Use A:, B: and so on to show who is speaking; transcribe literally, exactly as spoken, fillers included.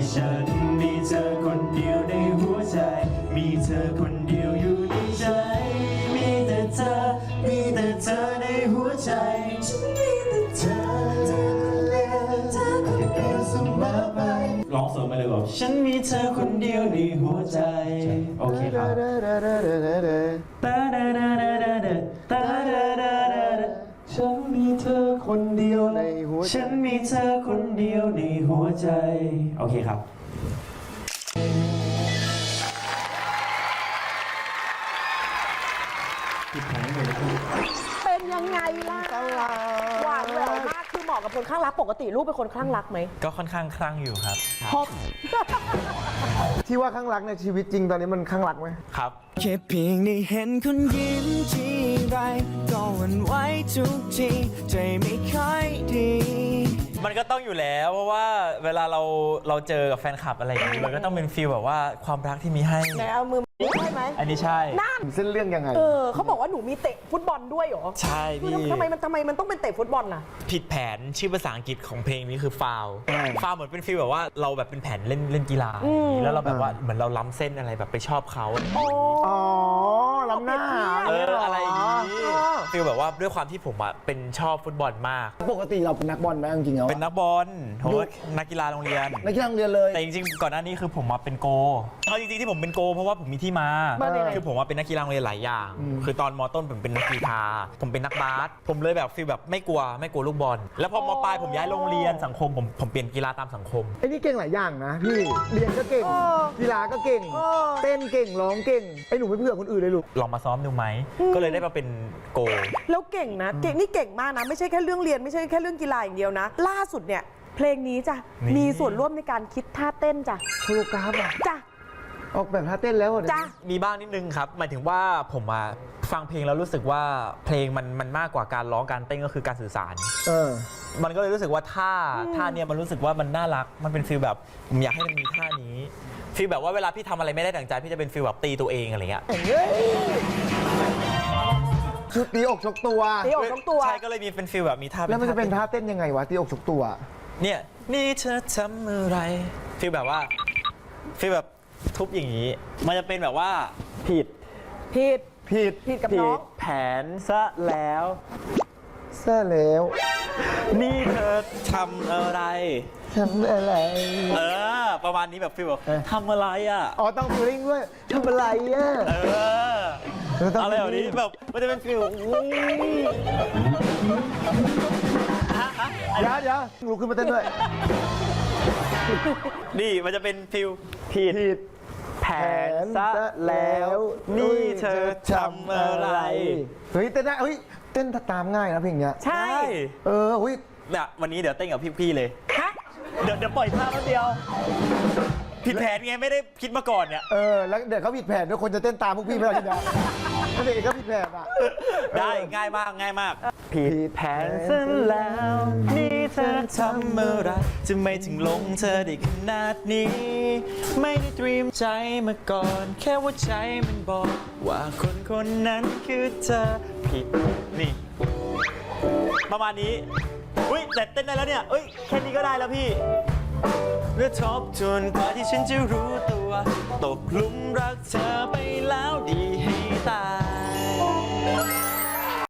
A: ฉันมีเธอคนเดียวในหัวใจมีเธอคนเดียวอยู่ในใจมีแต่เธอมีแต่เธอในหัวใจฉันมีแต่เธอเธอคนเดียวเธอคนเดียวเสมอไปร้องเสริมไปเลยบอกฉันมีเธอคนเดียวในหัวใจโอเคครับฉันมีเธอคนเดียวในหัวใจฉันมีเธอคนเดียวในหัวใจโอเคครับ
B: เป็นยังไงล่ะหวานแหววมากคือเหมาะกับคนข้างรักปกติลูกเป็นคนข้างรักไหม
C: ก็ค่อนข้างคลั่งอยู่ครับ
B: พบ
D: ที่ว่าข้างรักในชีวิตจริงตอนนี้มันข้างรักไหม
C: ครับ
E: แค่เพียงได้เห็นคุณยิ้มทีไรก็หวั่นไหวทุกทีใจไม่ค่อยดี
C: มันก็ต้องอยู่แล้วเพราะว่าเวลาเราเราเจอกับแฟนคลับอะไรอย่างนี้มันก็ต้องเป็นฟีลแบบว่าความรักที่มีให้
B: ไหนเอามือใช่ไหม
C: อันนี้ใช่
B: นั่น
D: เส้นเรื่องยังไง
B: เออเขาบอกว่าหนูมีเตะฟุตบอลด้วยเหรอ
C: ใช่พี่
B: ทำไมมันทำไมมันต้องเป็นเตะฟุตบอลน่ะ
C: ผิดแผนชื่อภาษาอังกฤษของเพลงนี้คือฟาวฟาวเหมือนเป็นฟีลแบบว่าเราแบบเป็นแผนเล่นเล่นกีฬาแล้วเราแบบว่าเหมือนเราล้ำเส้นอะไรแบบไปชอบเขา
D: อ๋อล้ำหน้า
C: เอออะไรอย่างนี้ฟีลแบบว่าด้วยความที่ผมอ่ะเป็นชอบฟุตบอลมาก
D: ปกติเราเป็นนักบอลไหมจริงๆแล้ว
C: เป็นนักบอลโหนักกีฬาโรงเรียน
D: นักกีฬาโรงเรียนเลย
C: แต่จริงๆก่อนหน้านี้คือผมมาเป็นโกเอาจริงๆที่ผมเป็นโกเพราะว่าผมมีที่มาคือผมว่าเป็นนักกีฬาโรงเรียนหลายอย่างคือตอนม.ต้นผมเป็นนักกีฬาผมเป็นนักบาสผมเลยแบบฟีลแบบไม่กลัวไม่กลัวลูกบอลแล้วพอม.ปลายผมย้ายโรงเรียนสังคมผมผมเปลี่ยนกีฬาตามสังคม
D: ไอ้นี่เก่งหลายอย่างนะพี่เรียนก็เก่งกีฬาก็เก่งเต้นเก่งร้องเก่งไอ้หนูไม่เผื่อคนอื่นเลยลูก
C: ลองมาซ้อมดูไหมก็เลยได้มาเป็นโก
B: แล้วเก่งนะเก่งนี่เก่งมากนะไม่ใช่แค่เรื่องเรียนไม่ใช่แค่เรื่องกีฬาอย่างเดียวนะล่าสุดเนี่ยเพลงนี้จ้ะมีส่วนร่วมในการคิดท่าเต้นจ้ะ
D: โคโรกราฟอ่ะ
B: จ้ะ
D: ออกแบบท่าเต้นแล้ว
B: จ้ะ
C: มีบ้างนิดนึงครับหมายถึงว่าผมมาฟังเพลงแล้วรู้สึกว่าเพลงมันมันมากกว่าการร้องการเต้นก็คือการสื่อสาร
D: เออ
C: มันก็เลยรู้สึกว่าท่าท่าเนี้ยมันรู้สึกว่ามันน่ารักมันเป็นฟีลแบบผมอยากให้มันมีท่านี้ฟีลแบบว่าเวลาพี่ทำอะไรไม่ได้ดั่งใจพี่จะเป็นฟีลแบบตีตัวเองอะไรเงี้ย
D: ชุดตีอกชกตัว
B: ตีอกชกตัว
C: ใช่ก็เลยมีเป็นฟีลแบบมีท่า
D: แล้วมันจะเป็นท่าเต้นยังไงวะตีอกชกตัว
C: เนี่ยนี่เธอทำอะไรฟีลแบบว่าฟีลแบบทุบอย่างนี้มันจะเป็นแบบว่าผิด
B: ผิด
D: ผิด
B: ผิดกับน้อง
C: แผนซะแล้ว
D: ซะแล้ว
C: นี่เธอทำอะไร
D: ทำอะไร
C: เออประมาณนี้แบบฟีลแบบทำอะไรอ่ะ
D: อ๋อต้องฟีลิ่งด้วยทำอะไรอ่ะ
C: เอออะไรแบบนี้แบบมันจะเป็นฟีล
D: เดี๋ยวเดี๋ยวลุกขึ้นมาเต้นด้วย
C: นี่มันจะเป็นฟีลผิดแผนซะแล้วนี่เธอทำอะไร
D: เฮ้ยเต้นได้เฮ้ยเต้นตามง่ายนะเพลงเนี้ย
B: ใช่
D: เออเฮ้ย
C: เนี่ยวันนี้เดี๋ยวเต้นกับพี่ๆเลยฮะเดี๋ยวเดี๋ยวปล่อยท่าแป๊บเดียวผิดแผนไงไม่ได้คิดมาก่อนเนี่ย
D: เออแล้วเดี๋ยวเขาผิดแผนด้วยคนจะเต้นตามพวกพี่ไม่ได้เนี่ยเด็กก็ผิดแผนอ่ะ
C: ได้ง่ายมากง่ายมากผิดแผนซะแล้วนี่เธอทำอะไรจะไม่ถึงลงเธอได้ขนาดนี้ไม่ได้เตรียมใจมาก่อนแค่ว่าใจมันบอกว่าคนคนนั้นคือเธอผิดนี่ประมาณนี้อุ้ยแต่เต้นได้แล้วเนี่ยเอ้ยแค่นี้ก็ได้แล้วพี่เมื่อทบทวนกว่าที่ฉันจะรู้ตัวตกหลุมรักเธอไปแล้วดีให้ตาย